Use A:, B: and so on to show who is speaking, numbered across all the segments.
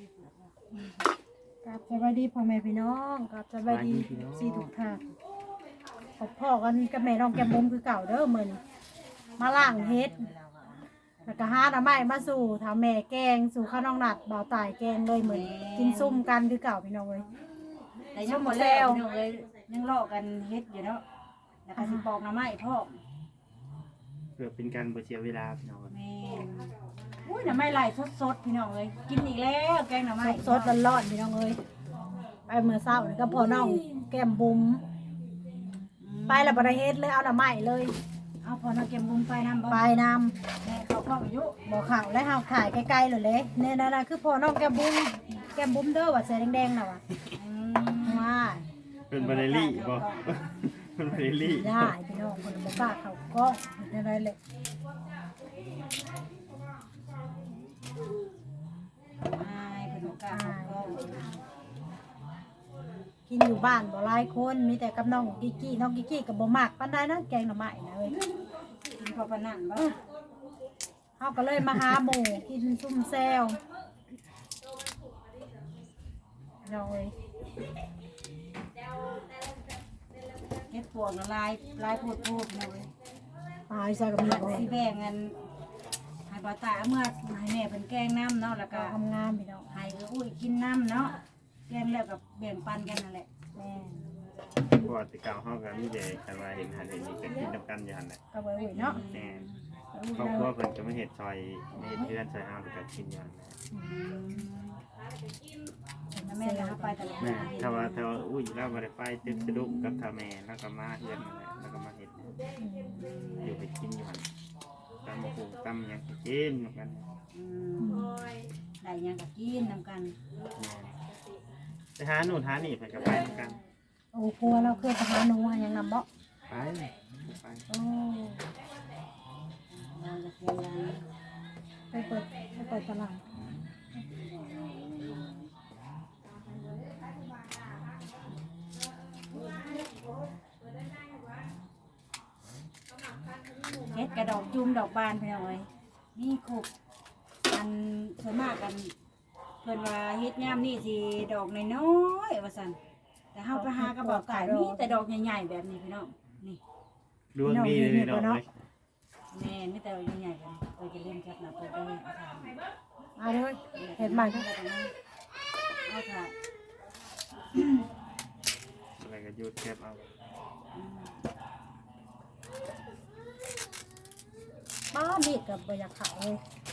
A: กับสวัสดีพ่อแม่พี่น้องกับสวัสดีซีทุกท่านพบพ่อกันกับแม่น้องแก้มบุ้มคือเก่าเด้อมื้อนี้มาล้างเฮ็ดแล้วก็หาหน่อไม้มาสู่ทำแม่แกงสู่ข้าวน้องหนัดบ่าวตายแกงเลยมื้อนี้กินซุ่มกันคือเก่าพี่น้องเอ้ย
B: แต่ยังหมดแล้วพี่น้องเอ้ยยังรอกันเฮ็ดอยู่เนาะแล้วก็สิปอกหน่อไม้พ่อ
C: เพื่อเป็นการบ่เสียเวลาพี่น้อง
B: แม่อุ้ยหน่อไม้ไหลสดๆพี่น้องเอ้ยกินอีกแล้วแกงหน่อไม้
A: สดๆร้อนๆพี่น้องเอ้ยไปเมื่อเช้านี่ก็พ่อน้องแก้มบุ้มไปแล้วบ่ได้เฮ็ดเลยเอาหน่อไม้เลย
B: เอาพอน้องเก็บมุมไปนำบ่
A: ไปนำ
B: แม่เขาเข้าอายุ
A: บ่เข้าแล้วเฮาถ่ายใกล้ๆเลยเลยเนี่ยนั่นน่ะคือพ่อน้องแก้มบุ้มเด้อว่าเสื้อแดงๆน่ะว่ะ
B: อืม
A: ว่า
C: เป็นบาเรลลี่บ่เป็นบาเรลลี่
A: ได้พี่น้องคนบ่กล้าเข้ากล้องอะไรเลย
B: อายเพิ่นบ่กล้าเข้ากล้อง
A: กินอยู่บ้านบ่หลายคนมีแต่กับน้องกิกกี้น้องกิกกี้ก็บ่มักปานใดนะแกงหน่อไม้นะเว้ย
B: กินพอปานนั้นบ่
A: เฮาก็เลยมาหาหมู่กินซุ่มแซวน้องเอ้ย
B: เฮ็ดปวกละลายโพดพี่น้องเอ้ย
A: ตายซะก็มีบ่
B: สิแบ่งกันให้บ่ตาเมื่อให้แม่เพิ่นแกงน้ำเนาะแล้วก็
A: ก็ทำงานพี่น้อง
B: ให้อุ้ยกินน้ำเนาะแกงแล้วก็แบ่งปันกันนั่นแหละ
A: แม่
C: เพราะว่าแต่เก่าเฮาก็มีแต่กันว่าเห็นหันเห็นนี่ก็กินนํกันอยู่หั่นแหละ
A: ก็บ่อุ้ยเนาะ
C: แม่ครอบครัวเพิ่นก็มาเฮ็ดซอยเฮ็ดเพื่อนซอยเฮาก็กินอยู่หั่นแหละ
B: แล้วแม่ก็หาไปตลอด
C: แม่ถ้าว่าอุ้ยเราบ่ได้ไปตึกสะดุ้งกับท่าแม่แล้วก็มาเฮือนนั่นแหละแล้วก็มาเฮ็ดอยู่ไปกินอยู่หั่นตำบักหุ่งตำหยังก็กินนํกัน
B: อืมได้หยังก็กินนำกัน
C: แม่ไปหาโน่นหานี่เพิ่นก็ไปนํกัน
A: โอ้พัวเราเคยไปหาหนูหาหยังนำบ่
C: ไปไป
A: โอ้
B: เราจะเพียงยัง
A: ไปเปิดตลาด
B: เฮ็ดกระดอกจุ่มดอกบานพี่น้องเอ้ยนี่ครบอันส่วนมากกันเพิ่นว่าเฮ็ดยามนี่สิดอกน้อยๆว่าซั่นแต่เฮาไปหากระบอกไก่มีแต่ดอกใหญ่ๆแบบนี้พี่น้องนี่
C: ดวงดีเลยเนาะ
B: แม่มีแต่ดอกใหญ่ๆแบบนี้เออจะเล่นจัดนะเปิดได้เอาถาม
A: เอาเลยเฮ็ดใหม่เด้อ
B: เอาถาม
C: อะไรก็หยุดเก็บเอา
A: ป้ามีดก็บ่อยากเข้าเลย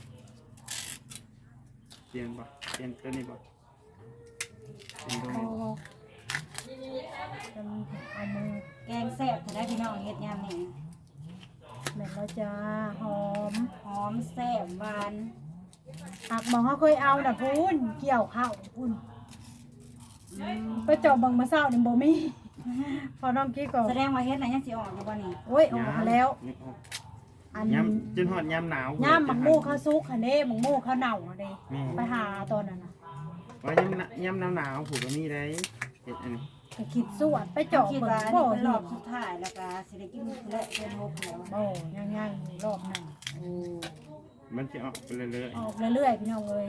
C: เปลี่ยนบ่เปลี่ยนตัวนี้บ่เปลี่ยนตัว
A: เอา
C: นี้
A: เอามือ
B: แกงแซ่บถ้าได้พี่น้องเฮ็ดยามนี่
A: แม่นแล้วจ้าหอม
B: หอมแซ่บหวาน
A: หักหมองเขาเคยเอาน่ะพูนเกี่ยวข้าวพูน
B: อืม
A: ไปจอบเบิ่งมาเช้านี่บ่มีพอน้องกี้ก็
B: แสดงว่าเฮ็ดน่ะยังสิออกอยู่บ่นี่
A: โอ้ยออกมาแล้ว อัน
C: ยำจนหอดยำหนาว
A: ย่ามหมักหมูเขาซุกหั่นเด้หมักหมูเขาเน่าหั่นเด้
C: แม่
A: ไปหาตอนนั้นน่ะ
C: ว่ายำหนาวผูกก็มีได้เฮ็ดอันนี้
A: ก็คิดสวดไปจอบ
B: คิด
A: เบิ่ง
B: ว่าอัน
A: บ่
B: นี้เป็นร
A: เห็
B: อบ
A: น
B: สุดท้ายแล้วก็สิได้กินและเป็นหกแล้ว
A: บ่ยังอยู่รอบหนึง
B: โอ้
C: มันจะออกไปเรื่อย
A: ออกเรื่อยๆพี่น้องเอ้ย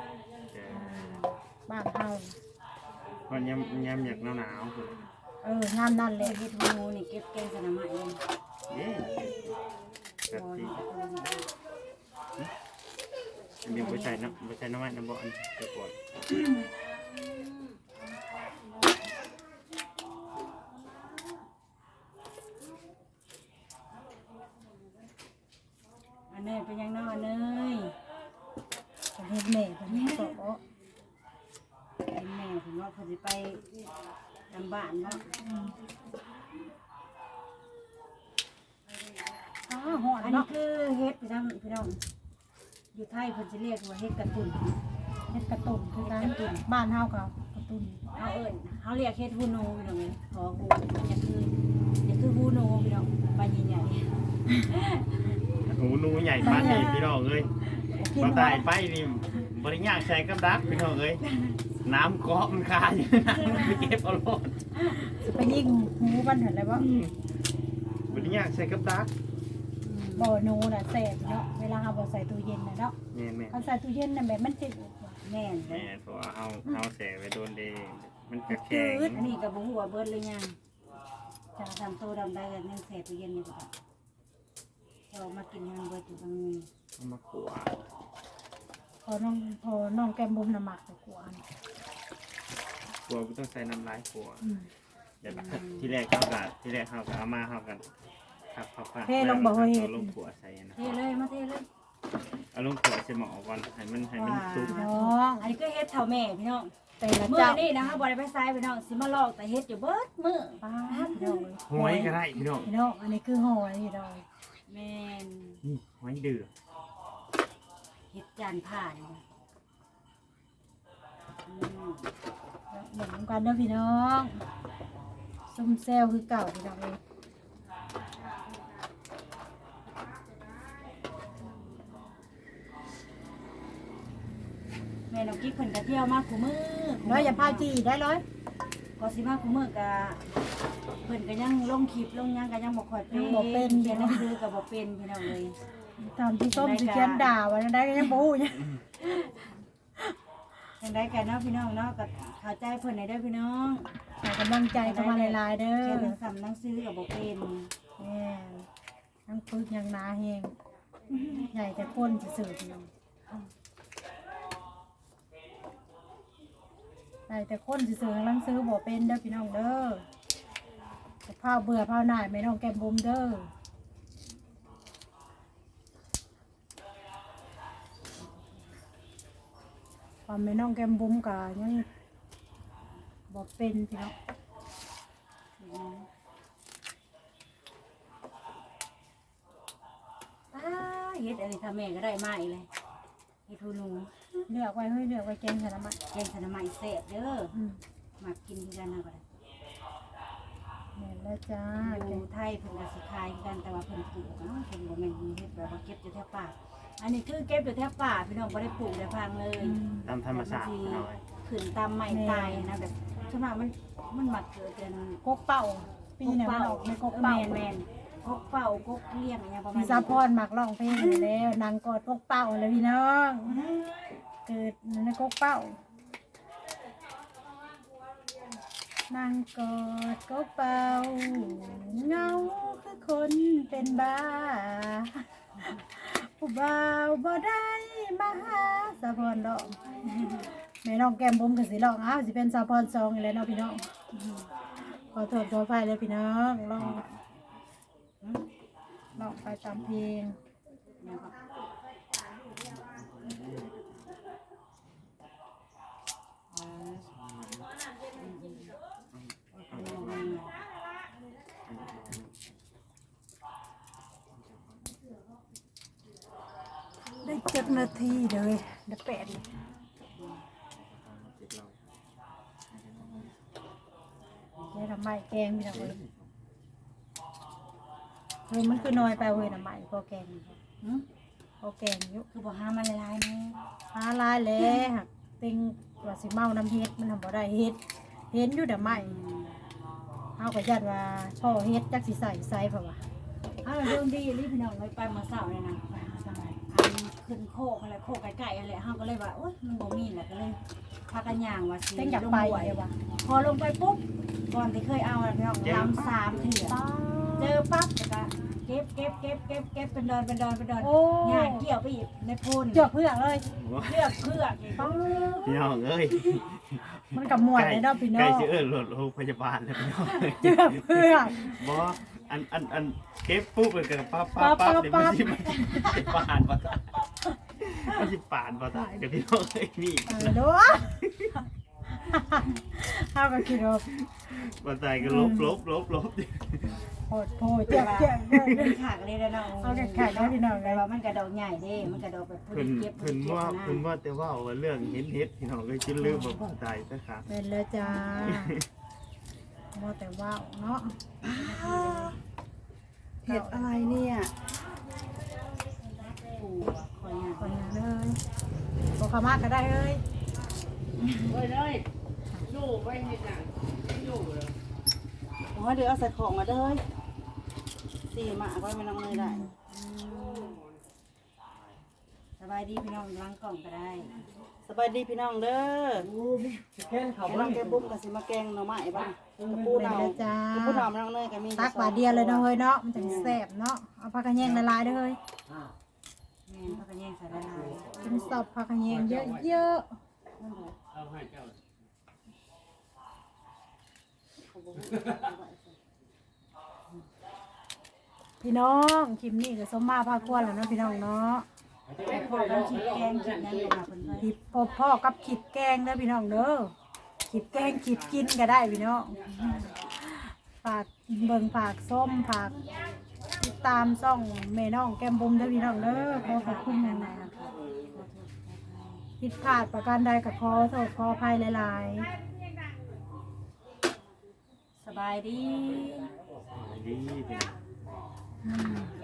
C: ๆ
A: บ้านเฮา
C: พอยำอยากหนาวผูก
A: งามนั่นแห
B: เล็
A: ละ
B: เฮ็ดฮูนี่เก็บแกงสนามไม้เลย
C: เย้แบบ
B: บ่
C: นี้
B: นี่
C: อันนี้บ่ใส่น้ำมันน้ำบ่อันจะปวด
B: อันนี้เป็นยังน้อเนย
A: ประเทศแม่เพิ่นก็บ่
B: เป็นแม่ผมว่าเพิ่นสิไปทำบ้านเนาะ
A: ฮอด
B: อันนี้
A: เนาะ
B: คือเฮ็ดพี่น้องอยู่ไทยเพิ่นสิเรียกว่าเฮ็ดกระตุ่น
A: เฮ็ดกระตุ่นคือกันบ้านเฮาก็กระตุ่น
B: เฮาเอิ้นเฮาเรียกเฮ็ดฮูโนพี่น้องเอ้ยขอฮูอย่าคือฮูโนพี่น้องใบใหญ่
C: หูหนูใหญ่บ้านนี่พี่น้องเอ้ยบ่ตายไปนี่บ่ได้ยากใส่กับดักพี่น้องเอ้ยน้ำเกาะมันคาอยู่มันไปเก็บเอาโลด
A: สิไปยิงหูมันเห็นเลยบ่
C: บ่ได้ยากใส่กับดัก
A: บ่หนูน่ะแซ่บเนาะเวลาเฮาบ่ใส่ตู้เย็นน่ะเนาะ
C: แม่น
A: เขาใส่ตู้เย็นน่ะแบบมันจืด
B: ๆแม่นเล
C: แม่
B: ย
C: เพราะว่าเอาแสไว้โดนเดมันกระแข็ง
B: อันนี้ก็บ่ฮู้ว่าเบิดหรือยังจะทำโตดำได้กันยังแสบไปเย็นนี่ก็เรามากินให้มันเบิดอยู่ตรงนี้
C: เอามาขัว
A: พอน้องแก้มบุ้มน้ำหมักไปกวน
C: ขัวก็ต้องใส่น้ำลายขัว
A: อืม
C: เดี๋ยวที่แรกเข้ากันเอามาเข้ากันครับพัก
A: เทลงบ่เฮ้ย
C: เอาลงขัวใส่นะ
B: เทเลยมาเทเลย
C: เอาลงขัวใส่หม้อก่อนให้มันสุก
A: น้อง
B: อันนี้ก็เฮ็ดเท่าแม่พี่น้อง
A: แต่ละ
B: มื้อ
A: เจ้า
B: นี้นะคะบ่ได้ไปไสพี่น้องสิมาลอกแต่เฮ็ดอยู่เบิดมื้อ
A: ป้าพี่น้อง
C: หอยก็ได้พี่น้อง
A: พี่น้องอันนี้คือหอยพี่น้อง
B: แม่น
C: นี่หอยเดือด
B: เฮ็ดจานผ่านนะอืม
A: เหมือนกันเด้อพี่น้องซุ่มแซวคือเก่าพี่น้องเลย
B: แม่น้องกิ๊กเพิ่นก็เที่ยวมาคู่มื้อ
A: ร้อยอย่าพาจีได้ร้อย
B: ก็สิมาคู่มื้อก็เพิ่นก็ยังลงคลิปลงหยังก็ยังบ่ค่อยเป็นเขียนหนังสือก็บ่เป็นพี่น้องเอ้ย
A: ตามที่ส้มสิเขียนด่าไว้ได้ก็ยังบ่ฮู้เนี่ย
B: จังได๋กันเนาะพี่น้องเนาะก็เข้าใจเพิ่นได้เด้อพี่น้อง
A: ให้กำลังใจเข้ามาหลายๆเด้
B: เขียน
A: อ
B: หนังสือก็บ่เป็น
A: แม่ทั้งปึกยังหนาแฮงใหญ่แต่คนซื่อๆพี่น้องใหญ่แต่คนซื่อๆหนังสือบ่เป็นเด้อพี่น้องเด้อแต่พาเบื่อพาหน่ายแม่น้องแก้มบุ้มเด้อความแม่น้องแก้มบุ้มก็ยังบ่เป็นพี่น้อง
B: เฮ็ดอันนี้ถ้าแม่ก็ได้มาอีกเลยเฮ็ดหูหนู
A: เลือกไว้เฮ้ยเลือกไว้แกงสารมัด
B: แกงสนามใหม่แซ่บเด้อ
A: อืม
B: มากินคือกันนะก็ได้
A: แม่นแล้วจ้า
B: อยู่ไทยเพิ่นก็สิขายคือกันแต่ว่าเพิ่นปลูกเนาะเพิ่นบ่แม่นเฮ็ดแบบว่าเก็บอยู่แถวป่าอันนี้คือเก็บอยู่แถวป่าพี่น้องบ่ได้ปลูกได้พังเลย
C: ตามธรรมชาติพี่น้อย
B: ขึ้นตามไม้ตายนะแบบส่วนมากมันมักเกิดเป็น
A: กกเป่าปีเนี่ยมันออกในกกเป่า
B: แม่นๆกกเป่ากกเลี้ยงอะไรประมาณ
A: พี่
B: นี้
A: ซาพรมักร้องเพลงอยู่แล้วนางกอดกกเป่าเลยพี่น้องเกิดในกกเป่านางกอดกกเป่าเงาคือคนเป็นบ้าผู้บ่าวบ่ได้มาหาสาพรร้องแม่น้องแก้มบุ้มก็สิร้องอ้าวสิเป็นสาพรซองอีกแล้วเนาะพี่น้องขอโทษขออภัยเลยพี่น้องร้องไปตามเพลงได้7 นาทีเลยได้8เลยได้ทำไมแกงพี่น้องเลยมันคือน้อยไปเว้ยน้ำใหม่พอแกงพอแกงอยู่
B: คือบ่หามันละลายแม่
A: หาลายแล้วหักเต็งว่าสิเมาน้ำเฮ็ดมันทำบ่ได้เฮ็ดเห็นอยู่แต่ใหม่เฮาก็ยัดว่าพ่อเฮ็ดจักสิใส่เพราะว่า
B: อ้าวเรื่องดีรีบพี่น้องเลยไปมาเสาร์เลยนะขึ้นโคกอะไรโคกไก่ๆอะไรเฮาก็เลยว่าโอ๊ยมันบ่มีแหละก็เลยพากันย่างว่าสิ
A: เต็งอยากไป
B: ลงห้วย
A: เลยว่ะ
B: พอลงไปปุ๊บก่อนที่เคยเอาพี่น้องลำ3เถื่อเจอปั๊บแล้วก็เก็บเป็นดอน
A: โอ้
B: ย่างเกี่ยวไปอีกในโพน
A: เจือกเพื่อกเลย
B: เลือกเพือกอีก
C: พี่น้องเอ้ย
A: มันกับหมวดเลยเนาะพี่น้
C: ใก
A: อ
C: ล้
A: ง
C: จะเอิ้นรถโรงพยาบาลแล้วพี่น้อง
A: เจือกเพื่อก
C: บ่อันเก็บปุ๊บเลยกันปั๊บเดี๋ยวมันสิปานบ่ได้มันสิปานบ่ได้เดี๋ยวพี่น้องเอ้ยนี่
A: เด้อเฮาก็คิดว่า
C: บ่ได้ก็ลบ
A: โหดเจือกเด้อ
B: เป็นขากเลยนะน้อง
A: เอาแขกได้พี่น้องเล
B: แต่
A: ย
B: ว่ามันกระดอกใหญ่เด้มันกระดอกแบบ
C: เพิ่นว่าแต่ว่าเรื่องเฮ็ดพี่น้องก็คิดลืมบ่ตายซะครับ
A: เป็นแล้วจ้าว่าแต่ว่าวเนาะ
B: เห็ดอะไรเนี่ยปูคอย
A: คนอย่างเลยบอกขามากก็ได้เอ้ย
B: โอ้ยเดี๋ยวเอาใส่ของมาเด้อตีหมาก็ไม่น้องเลยได้สบายดีพี่น้องล้างกล่องก็ได้สสบายดีพี่น้องเด้อแกงน้องแกงบุ้มกับสิมาแกงหน่อไม้บ้างกระปู
A: เป็น
B: เนา
A: เลยจ้าก
B: ระปูหน่อมน้องเนยก็มี
A: ตักบาทเดียวเลยเนาะเฮ้ยเนาะมันจะแซ่บเนาะเอาผักกระแยงละลายเด้อเฮ้ย
B: แม่นเขาก็แยงใส่ละลาย
A: กินสอบผักกระแยงเยอะๆพี่น้องคลิปนี้ก็สมมาพาควรแล้วเนาะพี่น้องเนาะ
B: พ่อกันคิดแกงคิดนั้นมาเพิ่นว่า
A: คลิปพ่อกับคลิปแกงเด้อพี่น้องเด้อคลิปแกงคลิปกินก็ได้พี่น้องฝากเบิ่งฝากส้มฝากติดตามช่องแม่น้องแก้มบุ้มเด้อพี่น้องเด้อขอบคุณนะ ผิดพลาดประการใดกับขอโทษขออภัยหลาย
B: สบายดี
C: ดีพี่น้อง
A: ๆ